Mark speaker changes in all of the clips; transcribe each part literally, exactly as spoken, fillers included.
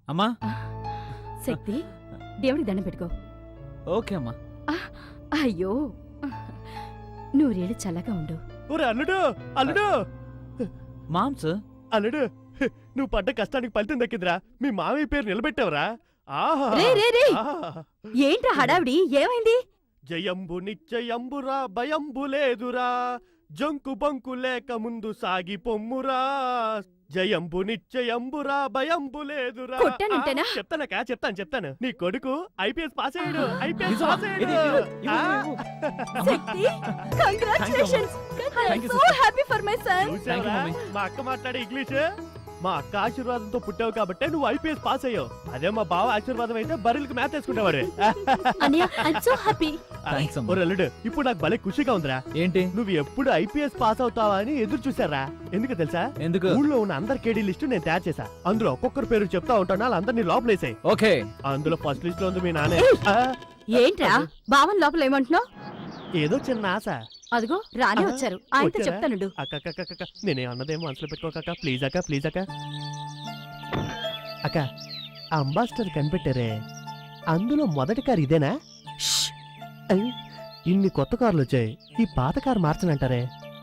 Speaker 1: అమ్మా
Speaker 2: శక్తి దేవుడికి దండం పెట్టుకో.
Speaker 1: ఓకే అమ్మా.
Speaker 2: అయ్యో నూరేళ్ళు చల్లగా ఉండు.
Speaker 3: అల్లుడు అల్లుడు
Speaker 1: మామ్స్
Speaker 3: అల్లుడు, నువ్వు పడ్డ కష్టానికి ఫలితం దక్కిందిరా. మీ మామయ్య పేరు నిలబెట్టావురా. ఆహా
Speaker 2: రే రే రే ఏంట్రా హడావిడి, ఏమైంది?
Speaker 3: జయంబు నిశ్చయంబురా భయంబు లేదురా, జంకు బంకు లేక ముందు సాగి పొమ్మురా. జయంబు నిశ్చయంబురా భయంబు లేదురా.
Speaker 2: కొట్టానంటేనా?
Speaker 3: చెప్తానక చెప్తాను చెప్తాను నీ కొడుకు ఐపీఎస్ పాస్ అయ్యాడు. ఐపీఎస్
Speaker 1: నిజమా?
Speaker 3: పాస్
Speaker 1: ఇది,
Speaker 3: అయ్యాడు.
Speaker 1: ఇది, ఇవ్వు,
Speaker 3: ఆ.
Speaker 1: ఇవ్వు.
Speaker 2: Shakti congratulations.
Speaker 1: Thank you,
Speaker 2: so
Speaker 1: sister.
Speaker 2: Happy for my son.
Speaker 3: చూసావురా?
Speaker 1: Thank you,
Speaker 3: మా అక్క మాట్లాడే ఇంగ్లీష్. మా అక్క ఆశీర్వాదంతో పుట్టావు కాబట్టి నువ్వు ఐపీఎస్ పాస్ అయ్యావు. అదే మా బావ ఆశీర్వాదం అయితే బర్రెలకు మ్యాథ్ వేసుకునేవాడు.
Speaker 2: అన్నయ్య I am so happy.
Speaker 1: Thanks అమ్మా.
Speaker 3: ఓ అల్లుడు, ఇప్పుడు నాకు భలే ఖుషిగా ఉందిరా.
Speaker 1: ఏంటి?
Speaker 3: నువ్వు ఎప్పుడు ఐపీఎస్ పాస్ అవుతావా అని ఎదురు చూసారా. ఎందుకు తెలుసా?
Speaker 1: ఎందుకు?
Speaker 3: ఊళ్ళో ఉన్న అందరి కేడీ లిస్టు నేను తయారు చేశా. అందులో ఒక్కొక్కరు పేరు చెప్తా ఉంటాను, వాళ్ళందరినీ లోపలేసాయి.
Speaker 1: ఓకే.
Speaker 3: అందులో ఫస్ట్ లిస్ట్ లో ఉంది మీ నానే. ఆ,
Speaker 2: ఏంట్రా బావన్ లోపల ఏమంటున్నావు?
Speaker 3: ఏదో చిన్న ఆశ.
Speaker 2: అదిగో రానే
Speaker 3: ఆహా,
Speaker 2: వచ్చారు, ఆయనతో
Speaker 3: వచ్చారా?
Speaker 2: చెప్తానుండు.
Speaker 3: అక్క అక్క అక్క, అక్క నేనే అన్నదేమో మనసులో పెట్టుకోక ప్లీజ్ అక్క ప్లీజ్ అక్క. అక్క ఆ అంబాసిడర్ కనిపెట్టారే, అందులో మొదటి కారు ఇదేనా? ష్! ఐ, ఇన్ని కొత్త కార్లు వచ్చాయి, ఈ పాత కారు మార్చనంటారే?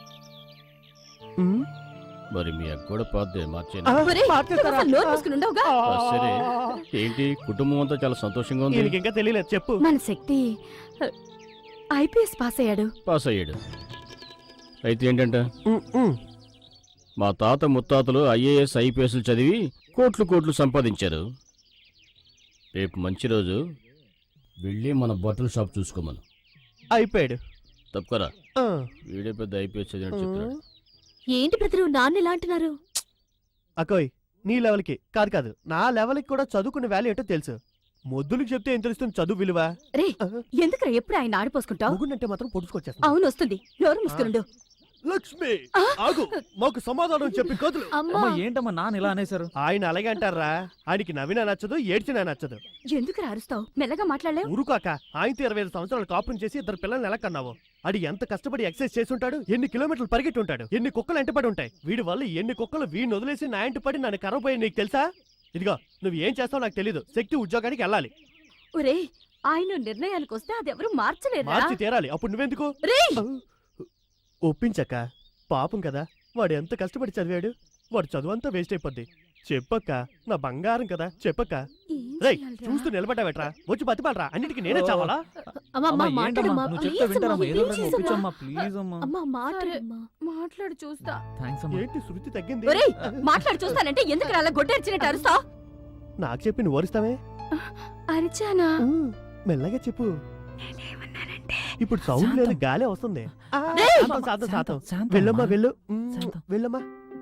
Speaker 3: ఉమ్,
Speaker 4: మరి మీ అక్క కూడా పాతదే మార్చేనా?
Speaker 3: ఆ,
Speaker 2: ఒరేయ్,
Speaker 3: మార్చేస్తారా?
Speaker 2: నువ్వు నోరు మూసుకుని ఉండవుగా?
Speaker 4: ఆ, సరే. ఏంటి కుటుంబం అంతా చాలా సంతోషంగా ఉంది.
Speaker 3: ఈయనకి ఇంకా తెలియలేదు, చెప్పు.
Speaker 2: మన శక్తి ఐపీఎస్ పాస్ అయ్యాడు.
Speaker 4: పాస్ అయ్యాడు. అయితే ఏంటంట,
Speaker 3: ఉమ్, ఉమ్.
Speaker 4: మా తాత ముత్తాతలు ఐఏఎస్ ఐపీఎస్లు చదివి కోట్లు కోట్లు సంపాదించారు. రేపు మంచి రోజు, వెళ్ళి మన బట్టల షాప్ చూసుకోమను.
Speaker 3: అయిపోయాడు.
Speaker 4: తప్పకరా,
Speaker 3: ఆ.
Speaker 4: వీడే పెద్ద ఐపీఎస్ చదివినట్టు చెప్తున్నాడు.
Speaker 2: ఏంటి బ్రదరు నాన్న ఇలా అంటున్నారు?
Speaker 3: అకోయ్, నీ లెవెల్కి కాదు కాదు నా లెవెల్కి కూడా చదువుకునే వాల్యూ ఏంటో తెలుసు. మొద్దులకు చెప్తే ఏం తెలుస్తుంది చదువు విలువ?
Speaker 2: రే ఎందుకురా ఎప్పుడు ఆయన ఆడిపోసుకుంటావు?
Speaker 3: ముగ్గునంటే మాత్రం పొడుచుకొచ్చేస్తా.
Speaker 2: అవును వస్తుంది, నోరు మూసుకునుండు.
Speaker 3: లక్ష్మి ఆగు, మాకు సమాధానం చెప్పి కదులు.
Speaker 2: అమ్మా
Speaker 1: అమ్మా ఏంటమ్మా నాన్న ఇలా అనేశారు?
Speaker 3: ఆయన అలాగే అంటారా? ఆయనకి నవ్వినా నచ్చదు, ఏడ్చినా నచ్చదు.
Speaker 2: ఎందుకురా అరుస్తావు? మెల్లగా మాట్లాడలేవు?
Speaker 3: ఊరుకాక, ఆయనతో ఇరవై ఐదు సంవత్సరాలు కాపురం చేసి ఇద్దరు పిల్లల్ని ఎలా కన్నావు? అడి ఎంత కష్టపడి ఎక్సైజ్ చేసి ఉంటాడు, ఎన్ని కిలోమీటర్లు పరిగెట్టి ఉంటాడు, ఎన్ని కుక్కలు ఎంటపడి ఉంటాయి. వీడి వల్ల ఎన్ని కుక్కలు వీడిని వదిలేసి నా ఇంటి పడి నన్ను కరవపోయి నీకు తెలుసా? ఇదిగో నువ్వు ఏం చేస్తావు నాకు తెలీదు. శక్తి ఉద్యోగానికి వెళ్ళాలి.
Speaker 2: ఒరే ఆయన నిర్ణయానికి వస్తే అదెవరు మార్చలేరు.
Speaker 3: మార్చి తీరాలి. అప్పుడు నువ్వెందుకు? ఒప్పించక్క, పాపం కదా, వాడు ఎంత కష్టపడి చదివాడు. వాడు చదువు అంతా వేస్ట్ అయిపోద్ది. చెప్పక్క, నా బంగారం కదా, చెప్పక్క. రేయ్ చూస్తూ నిలబడ్డావేట్రా, వచ్చి బతిపాలరా, అన్నిటికీ నేనే చావాలా?
Speaker 1: అమ్మా ఏంటమ్మా నువ్వు చెప్తే వింటారమ్మా, ఏదో ఒకటి ఒప్పించమ్మా ప్లీజ్ అమ్మా.
Speaker 2: మాట్లాడు చూస్తా.
Speaker 1: థాంక్స్ అమ్మా.
Speaker 3: ఏంటి శృతి తగ్గింది?
Speaker 2: ఒరేయ్ మాట్లాడు చూస్తానంటే ఎందుకు అలా గొడ్డరిచినట్టు అరుస్తావు?
Speaker 3: నాకు చెప్పి నువ్వు వరుస్తావే.
Speaker 2: అరిచానా?
Speaker 3: ఉమ్, మెల్లగా చెప్పు. ఇప్పుడు సౌండ్ లేదు, గాలే వస్తుంది. ఆ,
Speaker 2: రేయ్!
Speaker 3: శాంతం, శాంతం, శాంతం.
Speaker 1: శాంతం
Speaker 3: వెళ్ళమ్మా
Speaker 1: అమ్మా.
Speaker 3: వెళ్ళు. ఉమ్,
Speaker 1: శాంతం.
Speaker 3: వెళ్ళమ్మా.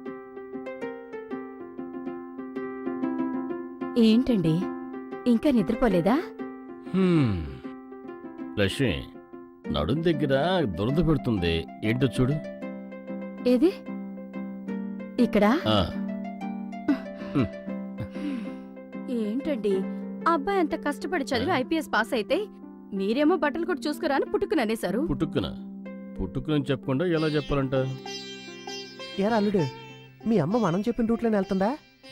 Speaker 2: ఏంటండి ఇంకా నిద్రపోలేదా?
Speaker 4: హ్మ్. లక్ష్మి, నడుం దగ్గర దురద పెడుతుంది, ఏంటో చూడు.
Speaker 2: ఏది ఇక్కడ?
Speaker 4: ఆ,
Speaker 2: ఏంటండి అబ్బాయి అంత కష్టపడి చదివి ఐపీఎస్ పాస్ అయితే మీరేమో బట్టలు కూడా చూసుకురా అని పుట్టుకుని అనేశారు.
Speaker 4: పుట్టుక్కున పుట్టుక్కునని చెప్పకుండా ఎలా చెప్పాలంట?
Speaker 3: ఏరా అల్లుడు, మీ అమ్మ మనం చెప్పిన రూట్లోనే వెళ్తుందా?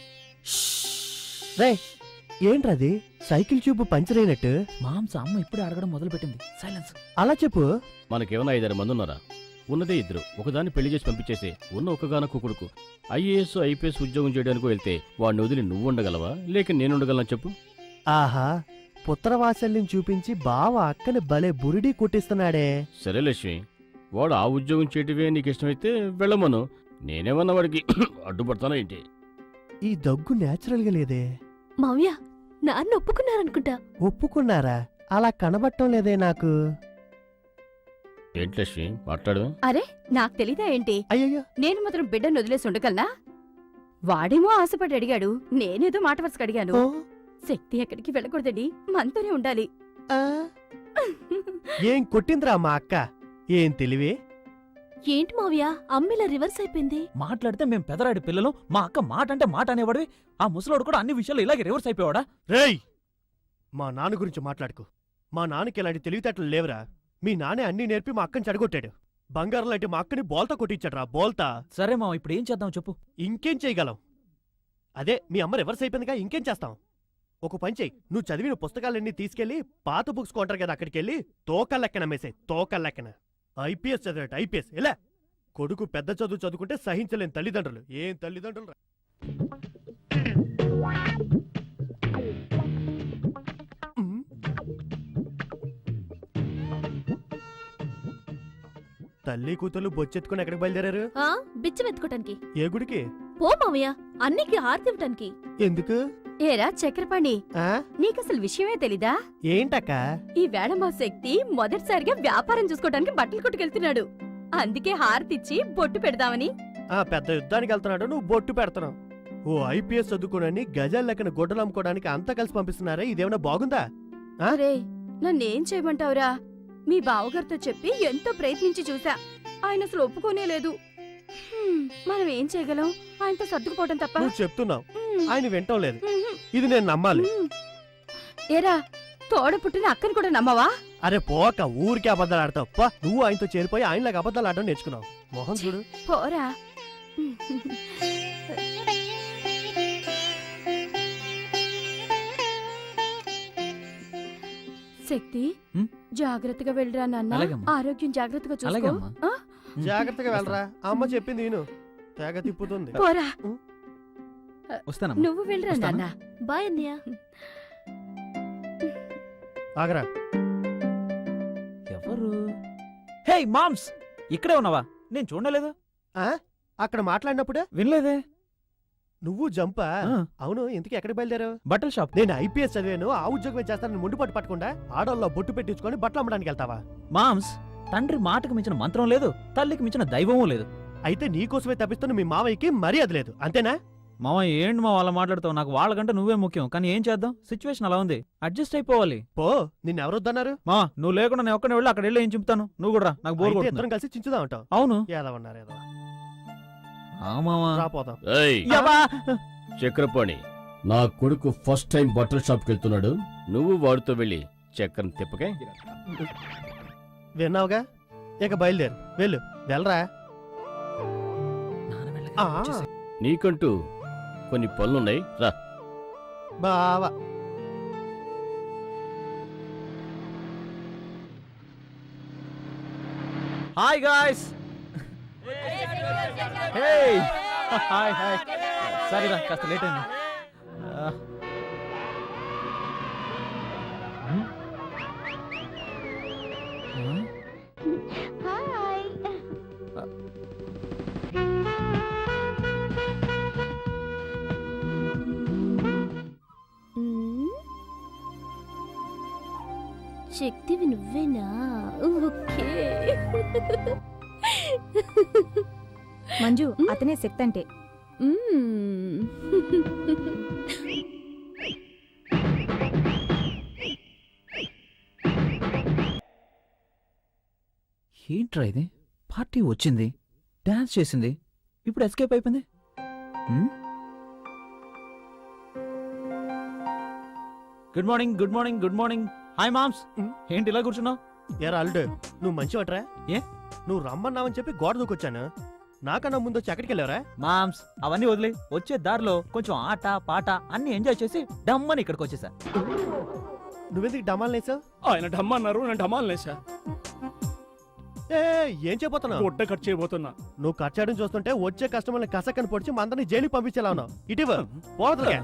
Speaker 3: రే ఏంట్రది, సైకిల్ ట్యూబ్ పంచర్ అయినట్టు?
Speaker 1: మామ్స్ అమ్మ ఇప్పుడే అడగడం మొదలు పెట్టింది. సైలెన్స్.
Speaker 3: అలా చెప్పు.
Speaker 4: మనకేమైనా ఐదారు మంది ఉన్నారా? ఉన్నదే ఇద్దరు. ఒకదాన్ని పెళ్లి చేసి పంపించేసి ఉన్న ఒక్కగానొక్క కొడుకు ఐఏఎస్ ఐపీఎస్ ఉద్యోగం చేయడానికి వెళ్తే వాడిని వదిలి నువ్వు ఉండగలవా, లేక నేను ఉండగలనా చెప్పు?
Speaker 3: ఆహా, పుత్రవాత్సల్యం చూపించి బావ అక్కని భలే బురిడి కొట్టిస్తున్నాడే.
Speaker 4: సరే లక్ష్మి, వాడు ఆ ఉద్యోగం చేయటమే నీకు ఇష్టమైతే వెళ్ళమను. నేనేమన్నా వాడికి అడ్డుపడతానా ఏంటి?
Speaker 3: ఈ దగ్గు నేచురల్ గా లేదే.
Speaker 2: మావ్య నాన్న ఒప్పుకున్నారనుకుంటా.
Speaker 3: ఒప్పుకున్నారా? అలా కనబట్టం లేదే నాకు.
Speaker 4: ఏంటి లక్ష్మి మాట్లాడు.
Speaker 2: అరే నాకు తెలీదా ఏంటి?
Speaker 3: అయ్యయ్యో,
Speaker 2: నేను మాత్రం బిడ్డను వదిలేసి ఉండగలనా? వాడేమో ఆశపడి అడిగాడు, నేనేదో మాట వరుసకు అడిగాను.
Speaker 3: ఓ,
Speaker 2: శక్తి ఎక్కడికి వెళ్ళకూడదండి, మనతోనే ఉండాలి.
Speaker 3: ఆ. ఏం కొట్టిందిరా మా అక్క, ఏం తెలివి.
Speaker 2: ఏంటి మావ్య అమ్మిలా రివర్స్ అయిపోయింది?
Speaker 1: మాట్లాడితే మేము పెదరాడి పిల్లలు, మా అక్క మాట అంటే మాట అనేవాడివి. ఆ ముసలోడు కూడా అన్ని విషయాలు ఇలాగే రివర్స్ అయిపోయాడా?
Speaker 3: రేయ్, మా నాన్న గురించి మాట్లాడుకో. మా నాన్నకి ఇలాంటి తెలివితేటలు లేవురా. మీ నాన్నే అన్ని నేర్పి మా అక్కని చెడగొట్టాడు. బంగారం లాంటి మా అక్కని బోల్తా కొట్టించాడురా, బోల్తా.
Speaker 1: సరే మా ఇప్పుడు ఏం చేద్దాం చెప్పు.
Speaker 3: ఇంకేం చేయగలం? అదే మీ అమ్మ రివర్స్ అయిపోయిందిగా, ఇంకేం చేస్తాం? ఒక పని చెయ్యి, నువ్వు చదివిన పుస్తకాలన్నీ తీసుకెళ్లి పాత బుక్స్ కొంటారు కదా అక్కడికి వెళ్ళి తోకల్లెక్కన మేసాయి తోకల్లెక్కన. IPS చదివాట IPS. ఎలా కొడుకు పెద్ద చదువు చదువుకుంటే సహించలేని తల్లిదండ్రులు. ఏం తల్లిదండ్రులు రా. ఉమ్. తల్లి కూతురు బొచ్చెత్తుకుని ఎక్కడికి బయలుదేరారు?
Speaker 5: ఆ బిచ్చం ఎత్తుకోటానికి.
Speaker 3: ఏ గుడికి?
Speaker 5: పో మావయ్య, అన్నికి హారతి ఇవ్వటానికి.
Speaker 3: ఎందుకు?
Speaker 2: ఏరా చక్రపాణి,
Speaker 3: ఆ
Speaker 2: నీకసలు విషయమే తెలీదా?
Speaker 3: ఏంటక్క?
Speaker 2: ఈ వేళ మా శక్తి మొదటిసారిగా వ్యాపారం చూసుకోవడానికి బట్టలు కొట్టుకెళ్తున్నాడు. అందుకే హారతిచ్చి బొట్టు పెడదామని.
Speaker 3: ఆ పెద్ద యుద్ధానికి వెళ్తున్నాడు, నువ్వు బొట్టు పెడతావు. ఓ ఐపీఎస్ చదువుకోనని గజాల లెక్కన గొడ్డలు అమ్ముకోవడానికి అంతా కలిసి పంపిస్తున్నారా? ఇదేమన్నా బాగుందా?
Speaker 2: అరే నన్నేం చేయమంటావురా? మీ బావగారితో చెప్పి ఎంతో ప్రయత్నించి చూసా, ఆయన అసలు ఒప్పుకోనే లేదు. హ్మ్, మనం ఏం చేయగలం? ఆయనతో సర్దుకుపోవటం తప్ప.
Speaker 3: నువ్వు చెప్తున్నావు,
Speaker 2: హ్మ్,
Speaker 3: ఆయన వింటం లేదు.
Speaker 2: హ్మ్,
Speaker 3: ఇది నేను నమ్మాలి.
Speaker 2: హ్మ్. ఏరా తోడ పుట్టిన అక్కని కూడా నమ్మవా?
Speaker 3: అరే పోక, ఊరికే అబద్ధాలు ఆడతావు. పా, నువ్వు ఆయనతో చేరిపోయి ఆయనలాగా అబద్ధాలు ఆడడం నేర్చుకున్నావు. మోహన్ చూడు.
Speaker 2: పోరా. శక్తి,
Speaker 1: హ్మ్?
Speaker 2: జాగ్రత్తగా వెళ్ళరా నాన్న.
Speaker 1: అలాగేమ్మా.
Speaker 2: ఆరోగ్యం జాగ్రత్తగా చూసుకో.
Speaker 1: అలాగేమ్మా.
Speaker 2: ఆ?
Speaker 3: జాగ్రత్తగా వెళ్ళరా, అమ్మ చెప్పింది నేను. తెగ తిప్పుతుంది.
Speaker 2: పోరా.
Speaker 1: వస్తానమ్మా.
Speaker 2: నువ్వు వెళ్ళరా
Speaker 1: వస్తాను.
Speaker 2: నాన్న.
Speaker 5: బాయ్ అన్నయ్య.
Speaker 3: ఆగరా.
Speaker 1: ఎవరు? హే మామ్స్, ఇక్కడే ఉన్నావా? నేను చూడలేదు.
Speaker 3: ఆ? అక్కడ మాట్లాడినప్పుడే
Speaker 1: వినలేదే.
Speaker 3: నువ్వు జంపా?
Speaker 1: ఆ,
Speaker 3: అవును, ఇంతకీ ఎక్కడ బయలుదేరావు?
Speaker 1: బట్టల షాప్.
Speaker 3: నేను ఐపీఎస్ చదివాను, ఆ ఉద్యోగం చేస్తానని ముందు పట్టు పట్టకుండా ఆడోళ్ళలో బొట్టు పెట్టించుకొని బట్టలు అమ్మడానికి వెళ్తావా?
Speaker 1: మామ్స్, తండ్రి మాటకు మించిన మంత్రం లేదు, తల్లికి మించిన దైవమూ లేదు.
Speaker 3: అయితే నీకోసమే తప్పిస్తున్న మీ మావయ్యకి మర్యాద లేదు, అంతేనా?
Speaker 1: మామ ఏంటి మా వాళ్ళ మాట్లాడుతావు? నాకు వాళ్ళకంటే నువ్వే ముఖ్యం. కానీ ఏం చేద్దాం, సిచ్యువేషన్ అలా ఉంది, అడ్జస్ట్ అయిపోవాలి.
Speaker 3: పో, నిన్నెవరొద్దన్నారు?
Speaker 1: మా నువ్వు లేకుండా నేను ఒక్కనే వెళ్ళి అక్కడ వెళ్ళి ఏం చెప్తాను? నువ్వు కూడా రా, నాకు బోర్
Speaker 3: అయితే
Speaker 1: కొడుతుంది.
Speaker 3: ఇద్దరం కలిసి చించుదా ఉంటావు.
Speaker 1: అవును.
Speaker 3: ఏదవన్నారు ఏదో.
Speaker 1: ఆ మామ.
Speaker 3: రాపోదాం.
Speaker 4: ఏయ్
Speaker 1: యబ్బా!
Speaker 4: చక్రపాణి, నా కొడుకు ఫస్ట్ టైం బట్టల షాప్కి వెళ్తున్నాడు. నువ్వు వాడితో వెళ్ళి చక్రం తిప్పకే.
Speaker 3: విన్నావుగా, ఇక బయలుదేరు. వెళ్ళు, వెళ్ళరా.
Speaker 1: నాన్న వెళ్ళగా
Speaker 3: ఆ.
Speaker 1: వచ్చేసాయి.
Speaker 4: నీకంటూ కొన్ని పనులున్నాయి, రా.
Speaker 3: బావా.
Speaker 1: Hi guys. Hey hi hi. Sorry రా, కాస్త లేట్ అయింది. ఆ. హ్మ్? ఆ?
Speaker 5: మ్మ్. శక్తివి నువ్వేనా? ఓకే.
Speaker 6: మంజు, అతనే శక్తి అంటే.
Speaker 5: మ్మ్.
Speaker 1: ఏంట్రా ఇది? పార్టీ వచ్చింది, డాన్స్ చేసింది, ఇప్పుడు ఎస్కేప్ అయిపోయింది. హ్మ్? Good morning, good morning, good morning. Hi moms.
Speaker 3: హ్మ్?
Speaker 1: ఏంటి ఇలా కూర్చున్నావు?
Speaker 3: ఏరా అల్లుడు, నువ్వు మంచివట్రా?
Speaker 1: ఏ?
Speaker 3: నువ్వు రమ్మన్నావని చెప్పి గోడ దూకొచ్చాను. నాకన్నా ముందు వచ్చి ఎక్కడికి వెళ్ళావరా?
Speaker 1: మామ్స్ అవన్నీ వదిలే, వచ్చే దారిలో కొంచెం ఆట పాట అన్ని ఎంజాయ్ చేసి డమ్మని ఇక్కడికి వచ్చేసా.
Speaker 3: నువ్వెందుకు డమాలు నేసావు?
Speaker 7: ఆయన డమ్మన్నారు, నేను డమాలు లేసా.
Speaker 3: ఏ ఏం చేయబోతున్నావు?
Speaker 7: గుడ్డ కట్ చేయబోతున్నా.
Speaker 3: నువ్వు కట్ చేయడం చూస్తుంటే వచ్చే కస్టమర్ని కసక్కని పొడిచి మందరిని జైలుకి పంపించేలా ఉన్నావు. ఇటీవ పోవద్దులే.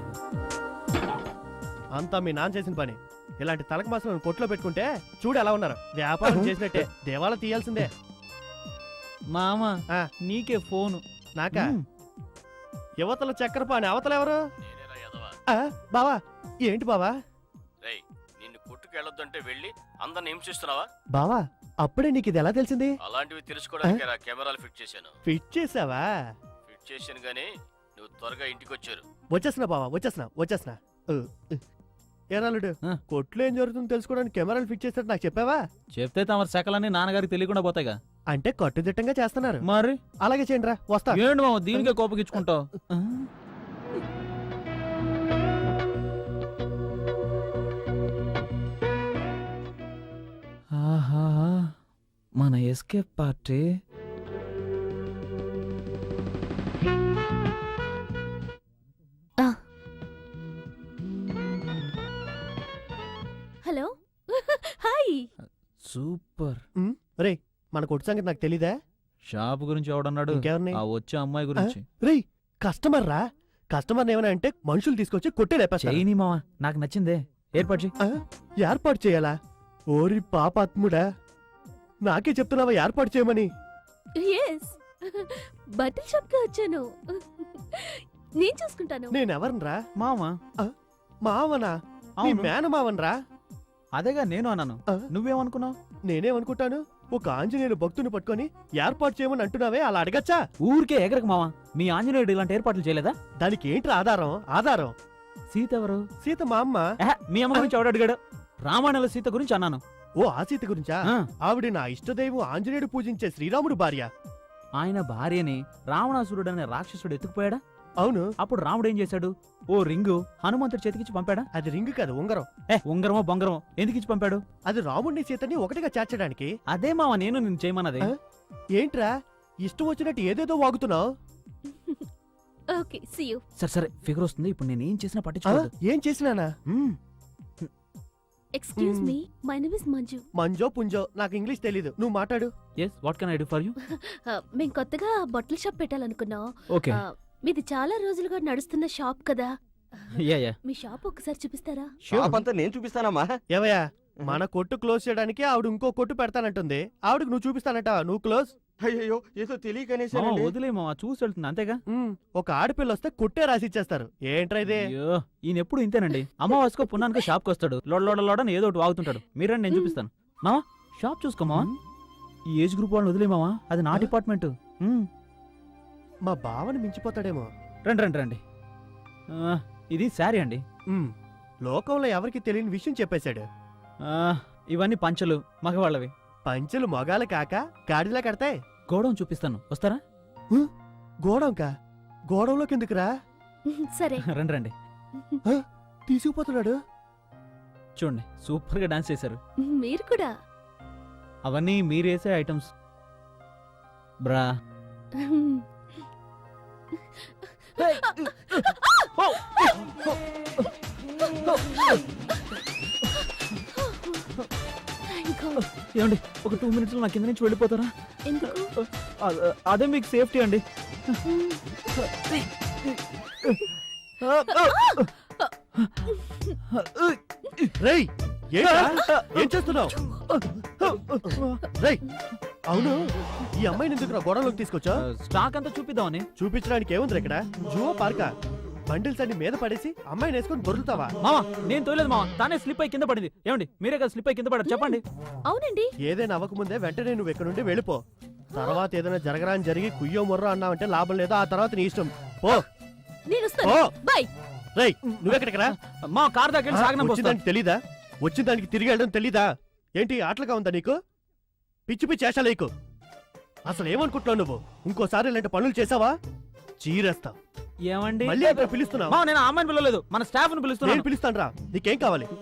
Speaker 3: అంతా మీ నాన్న చేసిన పని. ఇలాంటి తలక మాసం కొట్లో పెట్టుకుంటే చూడు ఎలా ఉన్నారు. వ్యాపారం చేసినట్టే దేవాల తీయాల్సిందే.
Speaker 1: మామ
Speaker 3: ఆ.
Speaker 1: నీకే ఫోను.
Speaker 3: నాకా?
Speaker 1: హ్మ్.
Speaker 3: యువతల చక్కెరపాని, అవతల ఎవరు?
Speaker 4: నేనేరా ఎదవా.
Speaker 3: ఆ, బావా. ఏంటి బావా?
Speaker 4: రేయ్, నిన్ను కొట్టుకెళ్ళొద్దంటే వెళ్ళి అందరిని హింసిస్తున్నావా?
Speaker 3: బావా, అప్పుడే నీకు ఇది ఎలా తెలిసింది?
Speaker 4: అలాంటివి తెలుసుకోవడానికి రా కెమెరాలు ఫిట్ చేశాను.
Speaker 3: ఫిట్ చేసావా?
Speaker 4: ఫిట్ చేశాను గానీ నువ్వు త్వరగా ఇంటికి వచ్చారు.
Speaker 3: వచ్చేస్తున్నా బావా, వచ్చేస్తున్నా వచ్చేస్తున్నా. ఉ, ఉ. ఏరాలుడు,
Speaker 1: ఆ.
Speaker 3: కొట్లో ఏం జరుగుతుందో తెలుసుకోవడానికి కెమెరాలు ఫిట్ చేసినట్టు నాకు చెప్పావా?
Speaker 1: చెప్తే తమరి శకలన్నీ నాన్నగారికి తెలియకుండా పోతాయిగా.
Speaker 3: అంటే కట్టుదిట్టంగా చేస్తున్నారు.
Speaker 1: మరి
Speaker 3: అలాగే చేయండి రా, వస్తా.
Speaker 1: ఏంటి మామ దీనికే కోపగించుకుంటావు? ఆహా, మన ఎస్కేప్ పార్టీ.
Speaker 5: హాయ్.
Speaker 1: సూపర్.
Speaker 3: రే మన కొట్టు సంగతి నాకు తెలీదా?
Speaker 1: షాప్ గురించి ఎవడన్నాడు?
Speaker 3: ఇంకెవరిని?
Speaker 1: ఆ వచ్చే అమ్మాయి గురించి.
Speaker 3: రే కస్టమర్ రా. కస్టమర్ ఏమైనా అంటే మనుషులు తీసుకొచ్చి కొట్టే లేపేస్తారు.
Speaker 1: చైనీ మావా, నాకు నచ్చిందే. ఏర్పాటు చెయ్యి.
Speaker 3: ఆ, ఏర్పాటు చేయాలా? ఓరి పాపాత్ముడా, నాకే చెప్తున్నావా ఏర్పాటు చేయమని?
Speaker 5: ఎస్, బట్టల షాప్ కి వచ్చాను. నేను చూసుకుంటాను.
Speaker 3: నేనెవరనరా?
Speaker 1: మావా.
Speaker 3: మావనా? నీ
Speaker 1: అవును.
Speaker 3: మేనమావనరా?
Speaker 1: అదేగా నేను అన్నాను.
Speaker 3: ఆ?
Speaker 1: నువ్వేమనుకున్నావు?
Speaker 3: నేనేమనుకుంటాను, ఒక ఆంజనేయులు భక్తుని పట్టుకొని ఏర్పాటు చేయమని అంటున్నావే, అలా అడగచ్చా?
Speaker 1: ఊరికే ఎగరకు మావా. మీ ఆంజనేయుడు ఇలాంటి ఏర్పాట్లు చేయలేదా?
Speaker 3: దానికి ఏంట్రా ఆధారం? ఆధారం
Speaker 1: సీత ఎవరు?
Speaker 3: సీత మా అమ్మ.
Speaker 1: ఆహా, మీ అమ్మ గురించి ఎవడు అడిగాడు? రామాయణంలో సీత గురించి అన్నాను.
Speaker 3: ఓ ఆ సీత గురించా?
Speaker 1: ఆ,
Speaker 3: ఆవిడ నా ఇష్టదైవం ఆంజనేయుడు పూజించే శ్రీరాముడు భార్య.
Speaker 1: ఆయన భార్యని రావణాసురుడు అనే రాక్షసుడు ఎత్తుకుపోయాడా?
Speaker 3: అవును.
Speaker 1: అప్పుడు రాముడు ఏం చేశాడు? ఓ రింగు హనుమంతుడి చేతికిచ్చి పంపాడా?
Speaker 3: అది రింగ్ కాదు, ఉంగరం.
Speaker 1: ఏ ఉంగరమో బొంగరమో ఎందుకు ఇచ్చి పంపాడు?
Speaker 3: అది రాముడిని సీతని ఒకటిగా చేర్చడానికి.
Speaker 1: అదే మావా నేను నిన్ను చేయమన్నది.
Speaker 3: ఆ? ఏంట్రా ఇష్టం వచ్చినట్టు ఏదేదో వాగుతున్నావు?
Speaker 5: Okay, see you.
Speaker 1: సరే సరే ఫిగర్ వస్తుంది. ఇప్పుడు నేను ఏం చేసినా పట్టించుకోవద్దు.
Speaker 3: ఏం చేసినానా?
Speaker 1: మ్మ్.
Speaker 5: Excuse
Speaker 3: hmm.
Speaker 5: Me, my name is Manju.
Speaker 3: మంజో పుంజో నాకు ఇంగ్లీష్ తెలీదు, నువ్వు మాట్లాడు.
Speaker 1: Yes, what can I do for you?
Speaker 5: మేము కొత్తగా బట్టల షాప్ పెట్టాలనుకున్నాం.
Speaker 1: ఓకే.
Speaker 5: ఆ, మీది చాలా రోజులుగా నడుస్తున్న షాప్ కదా,
Speaker 1: యా యా
Speaker 5: మీ షాప్ ఒకసారి చూపిస్తారా?
Speaker 8: షాప్ అంతా నేను చూపిస్తానమ్మా.
Speaker 3: ఏవయ్యా, మన కొట్టు క్లోజ్ చేయడానికి ఆవిడ ఇంకో కొట్టు పెడతానంటుంది. ఆవిడకి నువ్వు చూపిస్తానంట, నువ్వు క్లోజ్.
Speaker 8: అయ్యో ఏదో తెలియకనేసి
Speaker 1: మావా వదిలే మావా, చూసి వెళ్తుంది అంతేగా.
Speaker 3: ఉమ్, ఒక ఆడపిల్ల వస్తే కొట్టే రాసిచ్చేస్తారు. ఏంట్రా ఇదే?
Speaker 1: అయ్యో ఈయన ఎప్పుడు ఇంతేనండి. అమావాస్యకో పున్నానికో షాప్కి వస్తాడు, లోడ లోడ లోడని ఏదో ఒకటి వాగుతుంటాడు. మీరండి నేను చూపిస్తాను. మావా షాప్ చూసుకో మావా. ఈ ఏజ్ గ్రూప్ వాళ్ళని వదిలే మావా, అది నా
Speaker 3: ఆ?
Speaker 1: డిపార్ట్మెంట్. మ్మ్.
Speaker 3: మా బావని మించిపోతాడేమో.
Speaker 1: రండి రండి రండి. ఆ, ఇది శారీ అండి.
Speaker 3: ఉమ్, లోకంలో ఎవరికి తెలియని విషయం చెప్పేశాడు.
Speaker 1: ఆ, ఇవన్నీ పంచలు మగవాళ్ళవి.
Speaker 3: పంచెలు మొగాలు కాక గాడిలా కడతాయి.
Speaker 1: గోడౌన్ చూపిస్తాను, వస్తారా?
Speaker 3: గోడంకా? గోడంలోకి ఎందుకురా?
Speaker 5: సరే.
Speaker 1: రండి రండి.
Speaker 3: తీసుకుపోతున్నాడు.
Speaker 1: చూడండి సూపర్ గా డాన్స్ చేశారు.
Speaker 5: మీరు కూడా.
Speaker 1: అవన్నీ మీరేసే ఐటమ్స్ బ్రా.
Speaker 5: Thank God.
Speaker 1: ఏమండి ఒక టూ మినిట్స్ లో నా కింద నుంచి వెళ్ళిపోతారా?
Speaker 5: ఎందుకు?
Speaker 1: అ- అదే మీకు సేఫ్టీ అండి.
Speaker 3: రేయ్ ఏంట్రా? ఏం చేస్తున్నావు? రేయ్ అవును, ఈ అమ్మాయిని ఎందుకు నా గోడంలోకి తీసుకొచ్చా?
Speaker 1: స్టాక్ అంతా చూపిద్దామని.
Speaker 3: చూపించడానికి ఏముంది ఇక్కడ? జువో పార్కా? బండిల్స్ అన్ని మీద పడేసి అమ్మాయిని వేసుకొని దొరుకుతావా?
Speaker 1: మావా నేను తోలేదు మావా, తానే స్లిప్ అయి కింద పడింది. ఏమండి మీరే కదా స్లిప్ అయి కింద పడారు, చెప్పండి.
Speaker 5: అవునండి.
Speaker 3: ఏదైనా అవ్వకముందే వెంటనే నువ్వు ఇక్కడ నుండి వెళ్ళిపో. తర్వాత ఏదైనా జరగరా అని జరిగి కుయ్యో మొర్రో అన్నావంటే లాభం లేదు. ఆ తర్వాత నీ ఇష్టం. పో
Speaker 5: నేను వస్తాను.
Speaker 3: పో.
Speaker 5: బై.
Speaker 3: రేయ్ నువ్వెక్కడికి రా?
Speaker 1: మా కార్ దగ్గర సాగనం
Speaker 3: వచ్చిన దానికి తెలీదా? వచ్చిన దానికి తిరిగి వెళ్ళడం తెలీదా? ఏంటి ఆటలుగా ఉందా నీకు? పిచ్చి పిచ్చి చేషాలేకు. అసలు ఏమనుకుంటున్నావు నువ్వు? ఇంకోసారి ఇలాంటి పనులు చేసావా చీరేస్తా.
Speaker 1: ఏమండి
Speaker 3: మళ్ళీ అక్కడ పిలుస్తున్నావు?
Speaker 1: మావా నేను ఆ అమ్మాయిని పిలవలేదు, మన స్టాఫ్ ని పిలుస్తున్నాను.
Speaker 3: నేను పిలుస్తాను రా. నీకేం కావాలి?